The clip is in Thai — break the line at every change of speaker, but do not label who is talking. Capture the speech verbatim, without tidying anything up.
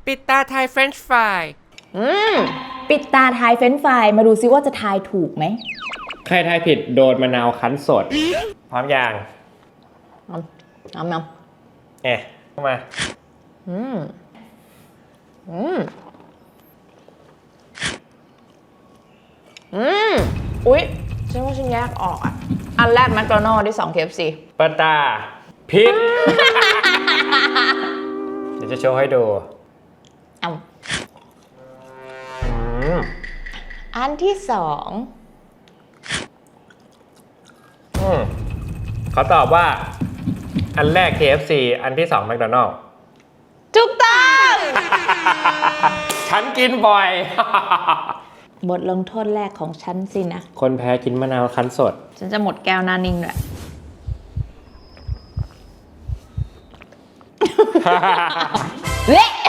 ปิดตาทายเฟรนช์ฟราย
อืมปิดตาทายเฟรนช์ฟรายมาดูซิว่าจะทายถูกไหม
ใครทายผิดโดนมะนาวคั้นสดพร้อมยัง
น้ำน้ำน้
ำเอ๊ะเข้ามา
อืมอืมอืมอุ๊ยฉันว่าฉันแยกออกอ่ะอันแรกแมคโดนัลด์ที่สอง เค เอฟ ซี
ปะตาผิด เดี๋ยวจะโชว์ให้ดู
เอา
อืม
อันที่สอง
อืมเขาตอบว่าอันแรก เค เอฟ ซี อันที่สองแมคโดนัลด์
ถูกต้อง
ฉันกินบ่อย
บทลงโทษแรกของฉันสินะ
คนแพ้กินมะนาวคั้นสด
ฉันจะหมดแก้วหน้านิ่งด้วยเละ